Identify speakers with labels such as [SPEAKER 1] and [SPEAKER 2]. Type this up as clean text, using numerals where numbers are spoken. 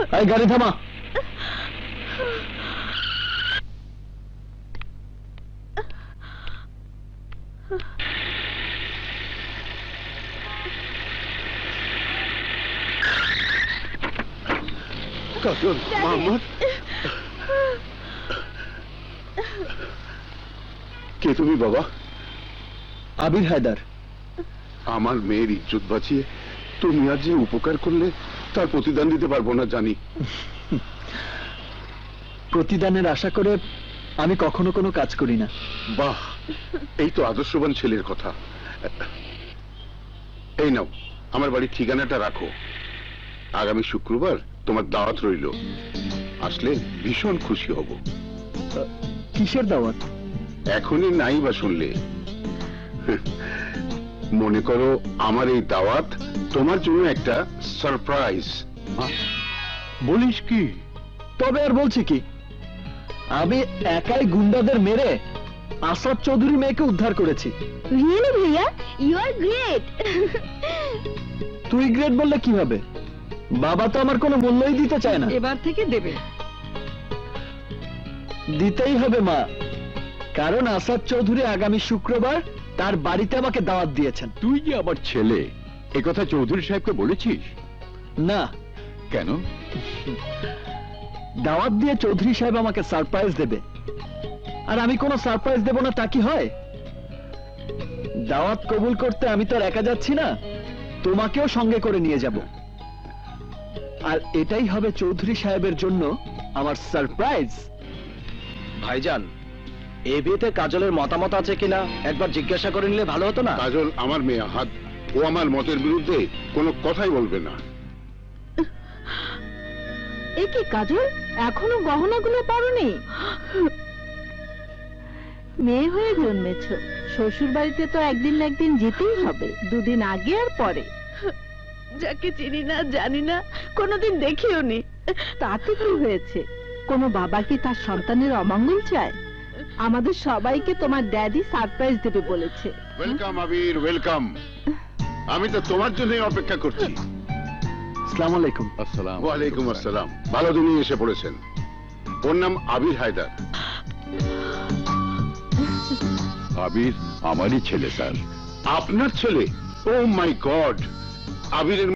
[SPEAKER 1] গাড়ি থামা।
[SPEAKER 2] কাজল, মোহাম্মদ, কে তুমি বাবা?
[SPEAKER 1] আবির হায়দার।
[SPEAKER 2] আমার মেয়ের ইজ্জত বাঁচিয়ে তুমি আজ যে উপকার করলে তার প্রতিদান দিতে পারবো না জানি।
[SPEAKER 1] প্রতিদানের আশা করে আমি কখনো কোনো কাজ করি না।
[SPEAKER 2] বাহ, এই তো আদর্শবান ছেলের কথা। এই নাও, আমার বাড়ির ঠিকানাটা রাখো। আগামী শুক্রবার তোমার দাওয়াত রইল, আসলে ভীষণ খুশি হব।
[SPEAKER 1] কিসের দাওয়াত?
[SPEAKER 2] এখনই নাই বা শুনলে? মনে করো আমার এই দাওয়াত তোমার জন্য একটা সারপ্রাইজ।
[SPEAKER 1] বলিস কি? তবে আর বলছি কি, আমি একাই গুন্ডাদের মেরে আসাদ চৌধুরী মেয়েকে উদ্ধার করেছি।
[SPEAKER 3] রিয়েলি ভাইয়া, ইউ আর গ্রেট।
[SPEAKER 1] তুই গ্রেট বললে কি হবে? বাবা তো আমার কোনো মূল্যই দিতে চায় না।
[SPEAKER 3] এবার থেকে দেবে।
[SPEAKER 1] দিতেই হবে মা, কারণ আসাদ চৌধুরী আগামী শুক্রবার তার বাড়িতে আমাকে দাওয়াত দিয়েছেন।
[SPEAKER 4] তুই যে আমার ছেলে, একথা চৌধুরী সাহেবকে বলেছিস?
[SPEAKER 1] না।
[SPEAKER 4] কেন?
[SPEAKER 1] দাওয়াত দিয়ে চৌধুরী সাহেব আমাকে সারপ্রাইজ দেবে, আর আমি কোনো সারপ্রাইজ দেব না তা কি হয়? দাওয়াত কবুল করতে আমি তো আর একা যাচ্ছি না, তোমাকেও সঙ্গে করে নিয়ে যাব। আর এটাই হবে চৌধুরী সাহেবের জন্য আমার সারপ্রাইজ। ভাইজান, এই বিয়েতে কাজলের মতামত আছে কিনা একবার জিজ্ঞাসা করে নিলে ভালো হতো না?
[SPEAKER 2] কাজল আমার মেয়ে, হাত ও আমার মতের বিরুদ্ধে কোনো কথাই বলবে না।
[SPEAKER 3] এ কি কাজল, এখনো গহনাগুলো পরনি? মেয়ে হয়ে জন্মেছ, শ্বশুর বাড়িতে তো একদিন না একদিন যেতেই হবে, দুদিন আগে আর পরে। যাকে চিনি না, জানি না, কোনোদিন দেখিও নি, তাতে কি হয়েছে? কোনো বাবা কি তার সন্তানের অমঙ্গল চায়? আমাদের সবাইকে তোমার ড্যাডি সারপ্রাইজ দেবে বলেছে।
[SPEAKER 2] Welcome Abir, welcome. আমি তো তোমার জন্যই অপেক্ষা করছি।
[SPEAKER 1] আসসালামু আলাইকুম।
[SPEAKER 4] আসসালাম।
[SPEAKER 2] ওয়ালাইকুম আসসালাম। ভালো দিনই এসে পড়েছেন। ওর নাম আবির হায়দার।
[SPEAKER 4] আবির আমারই ছেলে স্যার।
[SPEAKER 2] আপনার ছেলে? Oh my god! আবিরের